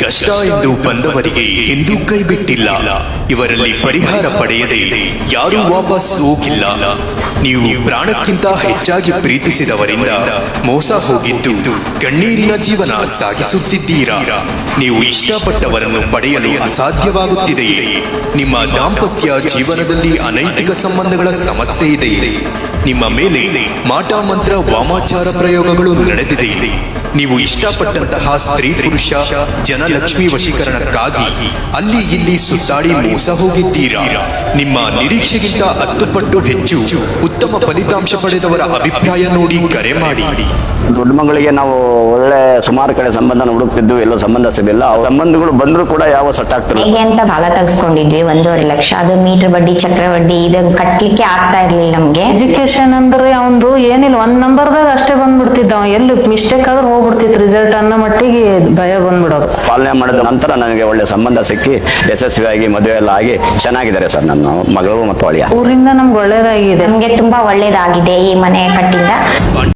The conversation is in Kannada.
ಕಷ್ಟ ಎಂದು ಬಂದವರಿಗೆ ಎಂದೂ ಕೈ ಬಿಟ್ಟಿಲ್ಲ. ಇವರಲ್ಲಿ ಪರಿಹಾರ ಪಡೆಯದೆ ಯಾರೂ ವಾಪಸ್ ಹೋಗಿಲ್ಲ. ನೀವು ಪ್ರಾಣಕ್ಕಿಂತ ಹೆಚ್ಚಾಗಿ ಪ್ರೀತಿಸಿದವರಿಂದ ಮೋಸ ಹೋಗಿದ್ದು ಕಣ್ಣೀರಿನ ಜೀವನ ಸಾಗಿಸುತ್ತಿದ್ದೀರಾ. ನೀವು ಇಷ್ಟಪಟ್ಟವರನ್ನು ಪಡೆಯಲು ಅಸಾಧ್ಯವಾಗುತ್ತಿದೆಯೇ? ನಿಮ್ಮ ದಾಂಪತ್ಯ ಜೀವನದಲ್ಲಿ ಅನೈತಿಕ ಸಂಬಂಧಗಳ ಸಮಸ್ಯೆ ಇದೆ. ನಿಮ್ಮ ಮೇಲೆ ಮಾಟ ಮಂತ್ರ ವಾಮಾಚಾರ ಪ್ರಯೋಗಗಳು ನಡೆದಿದೆ. ನೀವು ಇಷ್ಟಪಟ್ಟಂತಹ ಸ್ತ್ರೀ ಪುರುಷ ಜನಲಕ್ಷ್ಮಿ ವಶೀಕರಣಕ್ಕಾಗಿ ಅಲ್ಲಿ ಇಲ್ಲಿ ಸುತ್ತಾಡಿ ಮೋಸ ಹೋಗಿದ್ದೀರಾ. ನಿಮ್ಮ ನಿರೀಕ್ಷೆಗಿಂತ 10 ಪಟ್ಟು ಹೆಚ್ಚು ಉತ್ತಮ ಫಲಿತಾಂಶ ಪಡೆದವರ ಅಭಿಪ್ರಾಯ ನೋಡಿ ಕರೆ ಮಾಡಿ. ದೊಡ್ಡ ಮಗಳಿಗೆ ನಾವು ಒಳ್ಳೆ ಸುಮಾರು ಕಡೆ ಸಂಬಂಧ ಹುಡುಕ್ತಿದ್ದು, ಎಲ್ಲೋ ಸಂಬಂಧ ಸಿಗಲಿಲ್ಲ. ಸಂಬಂಧಗಳು ಬಂದರೂ ಕೂಡ ಯಾವ ಸೆಟ್ ಆಗ್ತಿಲ್ಲ. ಹೇಗೆ ಅಂತ ಸಾಲ ತೆಗೆಸ್ಕೊಂಡಿದ್ವಿ 1.5 ಲಕ್ಷ. ಅದು ಮೀಟರ್ ಬಡ್ಡಿ ಚಕ್ರವಡ್ಡಿ ಇದನ್ನು ಕಟ್ಲಿಕ್ಕೆ ಆಗ್ತಾ ಇರ್ಲಿಲ್ಲ ನಮ್ಗೆ. ಎಜುಕೇಶನ್ ಅಂದ್ರೆ ಅವಂದು ಏನಿಲ್ಲ, 1 ನಂಬರ್ದಾಗ ಅಷ್ಟೇ ಬಂದ್ಬಿಡ್ತಿದ್ದ. ಎಲ್ಲಿ ಮಿಸ್ಟೇಕ್ ಆದ್ರೆ ಹೋಗ್ಬಿಡ್ತಿತ್ತು ರಿಸಲ್ಟ್ ಅನ್ನೋ ಮಟ್ಟಿಗೆ ಭಯ ಬಂದ್ಬಿಡೋದು. ಪಾಲನೆ ಮಾಡಿದ ನಂತರ ನನಗೆ ಒಳ್ಳೆ ಸಂಬಂಧ ಸಿಕ್ಕಿ ಯಶಸ್ವಿಯಾಗಿ ಮದುವೆ ಎಲ್ಲ ಆಗಿ ಚೆನ್ನಾಗಿದ್ದಾರೆ ಸರ್ ನನ್ನ ಮಗಳು ಮತ್ತು ಅಳಿಯ. ಊರಿಂದ ನಮ್ಗೆ ಒಳ್ಳೇದಾಗಿದೆ. ನಮ್ಗೆ ತುಂಬಾ ಒಳ್ಳೇದಾಗಿದೆ ಈ ಮನೆ ಕಟ್ಟಿಂದ.